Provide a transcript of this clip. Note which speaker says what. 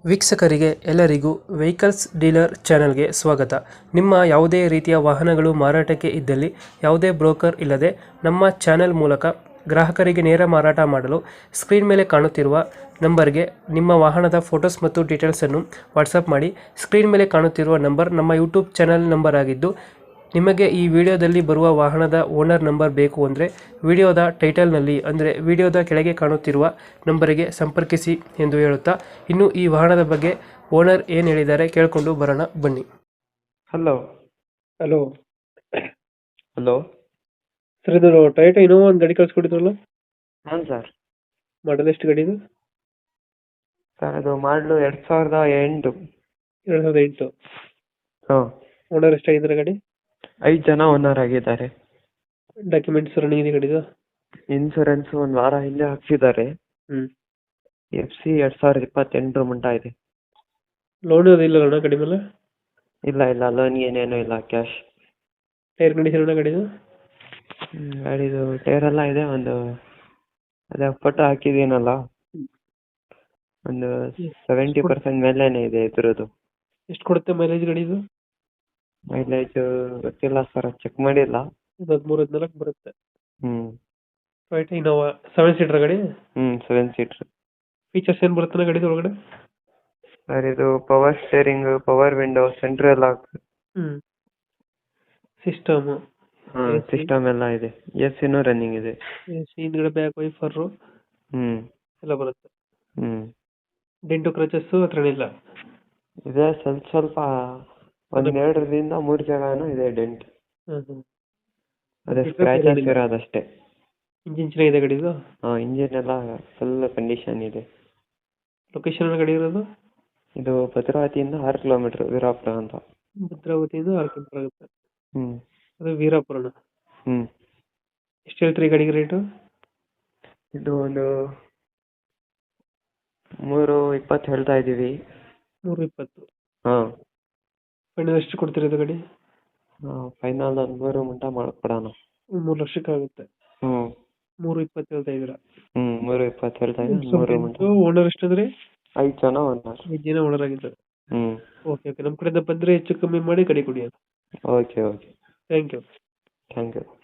Speaker 1: ವೀಕ್ಷಕರಿಗೆ ಎಲ್ಲರಿಗೂ vehicles dealer ಚಾನೆಲ್ಗೆ ಸ್ವಾಗತ. ನಿಮ್ಮ ಯಾವುದೇ ರೀತಿಯ ವಾಹನಗಳು ಮಾರಾಟಕ್ಕೆ ಇದ್ದಲ್ಲಿ ಯಾವುದೇ ಬ್ರೋಕರ್ ಇಲ್ಲದೆ ನಮ್ಮ ಚಾನೆಲ್ ಮೂಲಕ ಗ್ರಾಹಕರಿಗೆ ನೇರ ಮಾರಾಟ ಮಾಡಲು ಸ್ಕ್ರೀನ್ ಮೇಲೆ ಕಾಣುತ್ತಿರುವ ನಂಬರ್ಗೆ ನಿಮ್ಮ ವಾಹನದ ಫೋಟೋಸ್ ಮತ್ತು ಡೀಟೇಲ್ಸನ್ನು ವಾಟ್ಸಪ್ ಮಾಡಿ. ಸ್ಕ್ರೀನ್ ಮೇಲೆ ಕಾಣುತ್ತಿರುವ ನಂಬರ್ ನಮ್ಮ ಯೂಟ್ಯೂಬ್ ಚಾನೆಲ್ ನಂಬರ್ ಆಗಿದ್ದು, ನಿಮಗೆ ಈ ವಿಡಿಯೋದಲ್ಲಿ ಬರುವ ವಾಹನದ ಓನರ್ ನಂಬರ್ ಬೇಕು ಅಂದರೆ ವಿಡಿಯೋದ ಟೈಟಲ್ನಲ್ಲಿ ಅಂದರೆ ವಿಡಿಯೋದ ಕೆಳಗೆ ಕಾಣುತ್ತಿರುವ ನಂಬರಿಗೆ ಸಂಪರ್ಕಿಸಿ ಎಂದು ಹೇಳುತ್ತಾ, ಇನ್ನು ಈ ವಾಹನದ ಬಗ್ಗೆ ಓನರ್ ಏನು ಹೇಳಿದ್ದಾರೆ ಕೇಳಿಕೊಂಡು ಬರೋಣ ಬನ್ನಿ.
Speaker 2: ಹಲೋ.
Speaker 1: Hello
Speaker 2: hello.
Speaker 1: ಸರ್, ಇದು ಟೊಯೋಟಾ ಇನೋವಾ ಒಂದು ಗಾಡಿ ಕಳಿಸ್ಕೊಟ್ಟಿದ್ರಲ್ಲ,
Speaker 2: ಹಾಂ ಸರ್.
Speaker 1: ಮಾಡಲ್ ಎಷ್ಟು ಗಾಡಿ ಇದು?
Speaker 2: ಸರ್ ಅದು ಮಾಡಲು 2008.
Speaker 1: 2008.
Speaker 2: ಹಾಂ.
Speaker 1: ಓನರ್ ಎಷ್ಟಾಗಿದ್ದಾರೆ ಗಾಡಿ?
Speaker 2: 5 ಜನ ಓನರ್ ಆಗಿದ್ದಾರೆ.
Speaker 1: ಡಾಕ್ಯುಮೆಂಟ್ಸ್ ರನ್ನಿಂಗ್ ಇದೆ ಗಾಡಿದು?
Speaker 2: ಇನ್ಸೂರೆನ್ಸ್ ಒಂದು ವಾರ ಹಿಂದೆ ಹಾಕ್ಸಿದ್ದಾರೆ. FC 2028 ಮಟ್ಟ ಇದೆ.
Speaker 1: ಲೋನ್ ಅದು ಇಲ್ಲ ಅಣ್ಣ ಗಾಡಿ ಮೇಲೆ?
Speaker 2: ಇಲ್ಲ ಲೋನ್ ಏನೇನು ಇಲ್ಲ, ಕ್ಯಾಶ್.
Speaker 1: ಟೈರ್ ಕಂಡೀಷನ್ ಅಣ್ಣ ಗಾಡಿದು?
Speaker 2: ಗಾಡಿದು ಟೈರ್ ಎಲ್ಲ ಇದೆ. ಒಂದು ಅದೇ ಫೋಟೋ ಹಾಕಿದ್ದೀನಲ್ಲ, ಒಂದು 70% ಮೇಲೇನೆ ಇದೆ ಇದ್ರದ್ದು.
Speaker 1: ಎಷ್ಟು ಕೊಡುತ್ತೆ ಮೈಲೇಜ್ ಗಾಡಿದು?
Speaker 2: ಮೈಲೇಜ್ ಗೊತ್ತಿಲ್ಲ ಸರ್, ಚೆಕ್ ಮಾಡಿಲ್ಲ.
Speaker 1: 13-14 ಬರುತ್ತೆ.
Speaker 2: ಹ್ಞೂ.
Speaker 1: ಟೊಯೋಟಾ ಇನೋವಾ 7 ಸೀಟರ್ ಗಾಡಿ?
Speaker 2: 7 ಸೀಟ್ರ್.
Speaker 1: ಫೀಚರ್ಸ್ ಏನು ಬರುತ್ತೆ ಗಾಡಿ ಒಳಗಡೆ?
Speaker 2: ಸರ್ ಇದು power steering, power window, central lock.
Speaker 1: System?
Speaker 2: System ಎಲ್ಲ ಇದೆ. AC ರನ್ನಿಂಗ್ ಇದೆ.
Speaker 1: ಹಿಂದ್ಗಡೆ ಬ್ಯಾಕ್ ವೈಫರ್ ಎಲ್ಲ ಬರುತ್ತೆ. ಡೆಂಟು ಕ್ರಚಸ್ ಹತ್ರ ಇಲ್ಲ?
Speaker 2: ಇದೆ, ಸ್ವಲ್ಪ ಒಂದು 2ರಿಂದ 3 ಜಾಗನೂ ಇದೆ ಡೆಂಟ್. ಅದೇ ಸ್ಕ್ರಾಚಸ್ ಇರೋದಷ್ಟೇ.
Speaker 1: ಇಂಜಿನ್ ಚೆನ್ನಾಗಿದೆ ಗಾಡಿದು?
Speaker 2: ಇಂಜಿನ್ ಎಲ್ಲ ಫುಲ್ ಕಂಡೀಷನ್ ಇದೆ.
Speaker 1: ಲೊಕೇಶನ್ ಗಾಡಿ ಇರೋದು?
Speaker 2: ಇದು ಭದ್ರಾವತಿಯಿಂದ 6 ಕಿಲೋಮೀಟರ್, ವೀರಾಪುರ ಅಂತ.
Speaker 1: ಭದ್ರಾವತಿಯಿಂದ 6 ಕಿಲೋಮೀಟರ್ ಆಗುತ್ತೆ.
Speaker 2: ಹ್ಮ್.
Speaker 1: ಅದು ವೀರಾಪುರನ? ಎಷ್ಟು ಹೇಳ್ತೀರಿ ಗಾಡಿಗೆ ರೇಟು?
Speaker 2: ಇದು ಒಂದು 320 ಹೇಳ್ತಾ ಇದ್ದೀವಿ.
Speaker 1: 320?
Speaker 2: ಹಾಂ.
Speaker 1: ಫೈನಲ್ ಎಷ್ಟು ಕೊಡ್ತೀರಿ ಇದು ಗಾಡಿ?
Speaker 2: ಫೈನಲ್ ಒಂದು 3 ಮಟ್ಟ ಮಾಡ್ಕೊಡೋಣ.
Speaker 1: 3 ಲಕ್ಷಕ್ಕೆ ಆಗುತ್ತೆ. 320 ಹೇಳ್ತಾ ಇದ್ದೀರಾ?
Speaker 2: 320 ಹೇಳ್ತಾ ಇದ್ದೀವಿ. 3 ಮಟ್ಟ.
Speaker 1: ಓನರ್ ಎಷ್ಟಾದ್ರಿ?
Speaker 2: 5 ಜನ ಓನರ್.
Speaker 1: 5 ಜನ ಓನರ್ ಆಗಿದ್ದಾರೆ. ಓಕೆ, ನಮ್ಮ ಕಡೆಯಿಂದ ಬಂದರೆ ಹೆಚ್ಚು ಕಮ್ಮಿ ಮಾಡಿ ಗಾಡಿ ಕೊಡಿ.
Speaker 2: ಓಕೆ.
Speaker 1: Thank you.